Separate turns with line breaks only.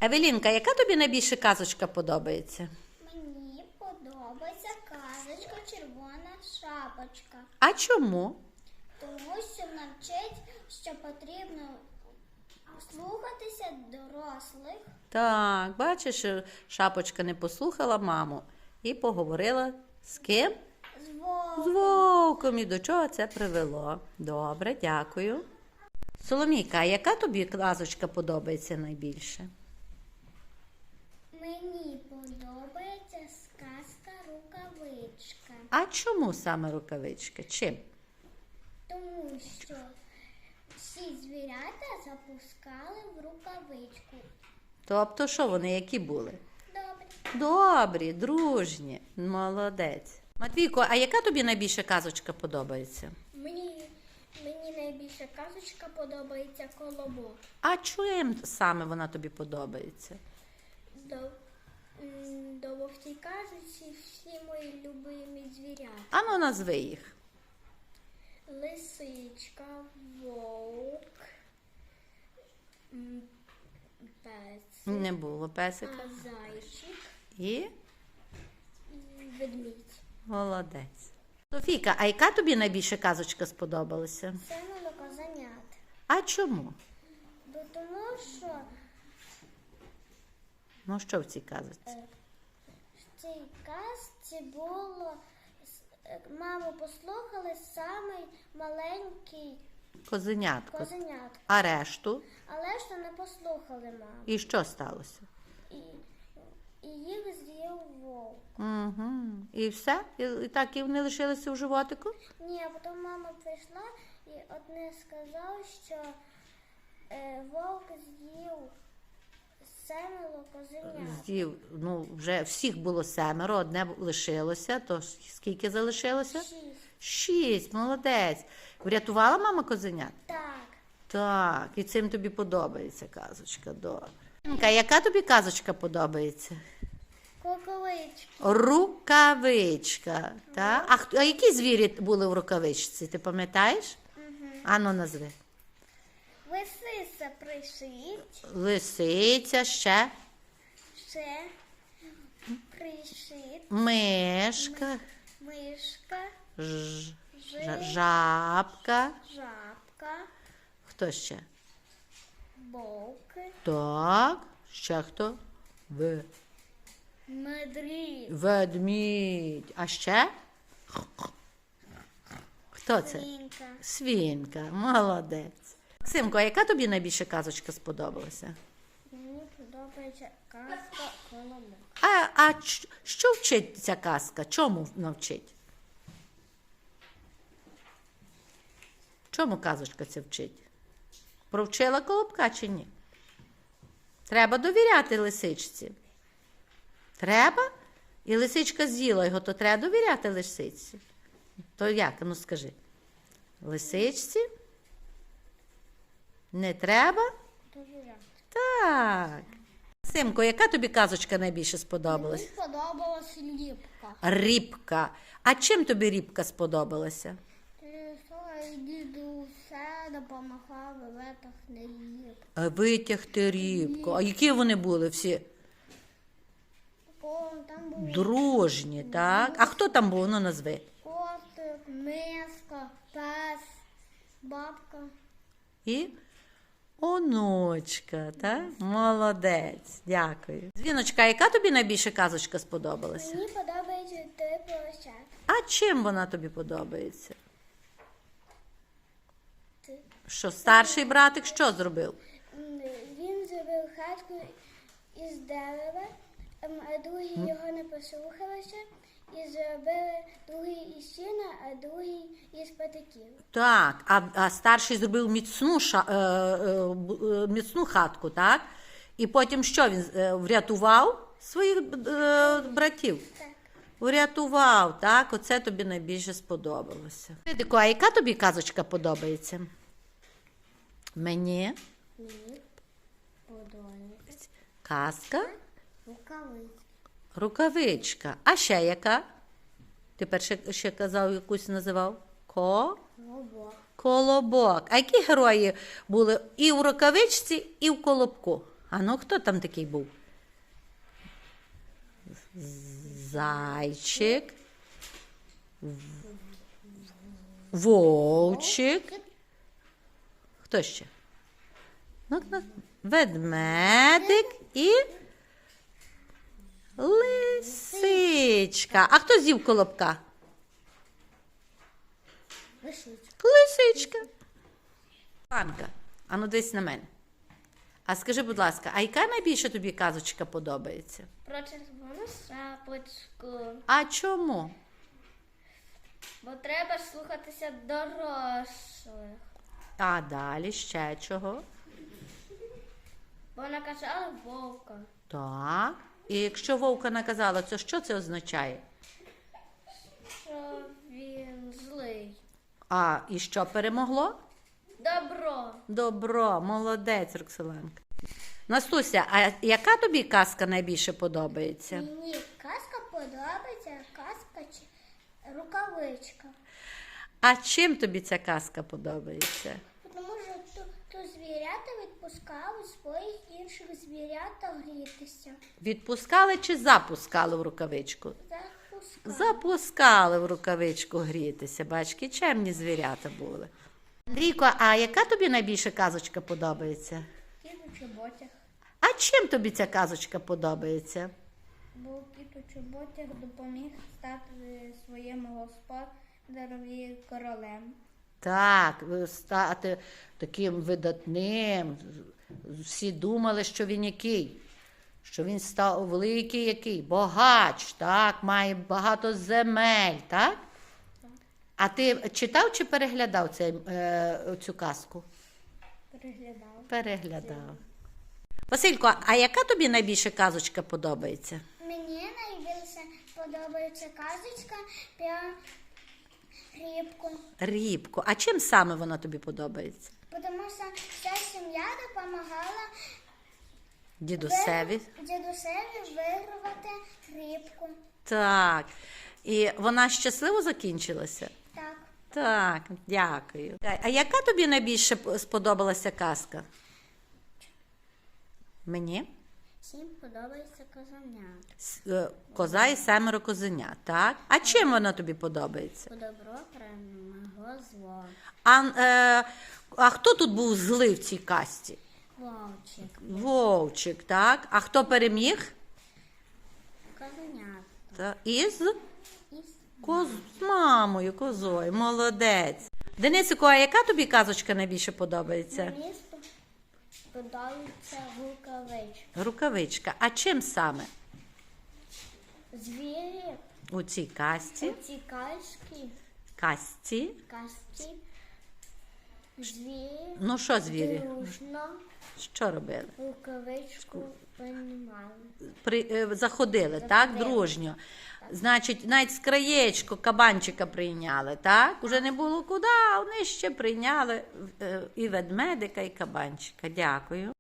Евелінка, яка тобі найбільше казочка подобається?
Мені подобається казочка «Червона шапочка»,
А чому?
тому що навчить, що потрібно слухатися дорослих.
Так, бачиш, шапочка не послухала маму і поговорила з ким?
З
З вовком. І до чого це привело? Добре, дякую. Соломійка, а яка тобі казочка подобається найбільше?
Мені подобається сказка «Рукавичка»,
А чому саме рукавичка? Чим?
тому що всі звірята запускали в рукавичку.
Тобто, що вони, які були?
Добре.
Добрі, дружні, молодець. Матвійко, а яка тобі найбільше казочка подобається?
Мені найбільше казочка подобається «Колобок».
А чим саме вона тобі подобається?
Бо в цій казочці всі мої любимі звірята.
Ану, назви їх.
Лисичка, вовк, песик,
Не було песика.
зайчик
І
і ведмідь.
молодець. Софійка, а яка тобі найбільше казочка сподобалася?
Це козенят.
А чому?
Бо тому що
Ну, що в цій казочці?
в цій казці було, маму послухали самий маленький
Козенятко.
козенятко,
А решту?
але ж не послухали маму.
І що сталося?
І їх з'їв вовк.
Угу. І все? І так і вони лишилися в животику?
Ні, а потім мама прийшла і одне сказав, що вовк з'їв 7 козенят.
З'їв, ну, вже всіх було 7, одне лишилося, то скільки залишилося?
6.
6, молодець. Врятувала мама козенят?
Так.
Так, і цим тобі подобається казочка, добре. А яка тобі казочка подобається?
Куколички.
Рукавичка. Так? А які звірі були в рукавичці, ти пам'ятаєш? Ану, назви.
Лисиця пришить.
Лисиця, ще
Ще пришит.
мишка,
Мишка.
жабка.
Жабка.
Хто ще?
Вовк.
Так, ще хто?
Медвідь.
Ведмідь. А ще? Хто це?
Свинка.
Свинка, молодець. Максимко, а яка тобі найбільше казочка сподобалася?
Мені подобається казка «Колобок».
Що вчить ця казка? Чому навчить? Чому казочка ця вчить? Провчила колобка чи ні? Треба довіряти лисичці. Треба? І лисичка з'їла його, то треба довіряти лисичці. То як? Ну скажи. Лисичці? Не треба?
Довіряти.
Так. Симко, яка тобі казочка найбільше сподобалась?
Мені сподобалась ліпка.
Рібка. А чим тобі рібка сподобалася?
Діду все допомагав витягти ліпку.
Витягти рібку. А які вони були всі?
Там був
Дружні, так? А хто там був? Ну, назви.
котик, миска, пес, бабка.
І онучка, так? Молодець, дякую. Дзвіночка, яка тобі найбільше казочка сподобалася?
Мені подобається той поросят.
А чим вона тобі подобається?
Ти.
Що, старший братик що зробив?
Він зробив хатку із дерева, а другі його не послухалися і зробили другий із сіна, а другий із патиків.
Так, а старший зробив міцну хатку, так? І потім що він врятував своїх братів?
Так.
Врятував, так? Оце тобі найбільше сподобалося. Федико, а яка тобі казочка подобається? Мені
Мені подобається
казка,
рукавичка.
рукавичка. А ще яка? Ти ще казав, якусь називав? Колобок. А які герої були і в рукавичці, і в колобку? А ну, хто там такий був? Зайчик. Вовчик. Хто ще? Ведмедик і лисичка. А хто з'їв колобка? Лисичка. Анка, а ну дивись на мене. А скажи, будь ласка, а яка найбільше тобі казочка подобається?
Про червону шапочку.
А чому?
Бо треба слухатися дорослих.
А далі ще чого?
Бо наказали вовка.
Так. І якщо вовка наказала, то що це означає?
Що він злий.
А і що перемогло?
Добро.
Добро, молодець, Роксоланка. Настуся, а яка тобі казка найбільше подобається?
Мені казка подобається, казка чи рукавичка.
А чим тобі ця казка подобається?
Тому що то звірята відпускали своїх інших звірят грітися.
Відпускали чи запускали в рукавичку?
Запускали.
Запускали в рукавичку грітися. Бачки, чемні звірята були. Андрійко, а яка тобі найбільше казочка подобається?
Кіт у чоботях.
А чим тобі ця казочка подобається?
Бо кіт у чоботях допоміг стати своєму господареві королем.
Так, стати таким видатним. Всі думали, що він який? Що він став великий який? Богач, так, має багато земель, так? А ти читав чи переглядав цю казку?
Переглядав.
Переглядав. Василько, а яка тобі найбільше казочка подобається?
Мені найбільше подобається казочка про рибку.
Рібко. А чим саме вона тобі подобається?
Тому що вся сім'я допомагала
Дідусеві?
дідусеві вирвати рибку.
Так. І вона щасливо закінчилася?
Так.
Так, дякую. А яка тобі найбільше сподобалася казка? Мені?
Всім подобається казання.
Коза і 7 козенят, так? А чим вона тобі подобається?
По добро перемогло зло.
А хто тут був злий в цій казці?
Вовчик.
Вовчик, так? А хто переміг?
Казанята.
Із
Із
з мамою, козою. Молодець. Денисику, а яка тобі казочка найбільше подобається?
мені подобається рукавичка.
Рукавичка. А чим саме?
Звірі
У цій казці?
у цій казці
Казці?
звірі
Ну що звірі?
дружно
Що робили?
рукавичку приймали.
Заходили, так? Дружньо. Значить, навіть з краєчку кабанчика прийняли, так? Уже не було куди, а вони ще прийняли і ведмедика, і кабанчика. Дякую.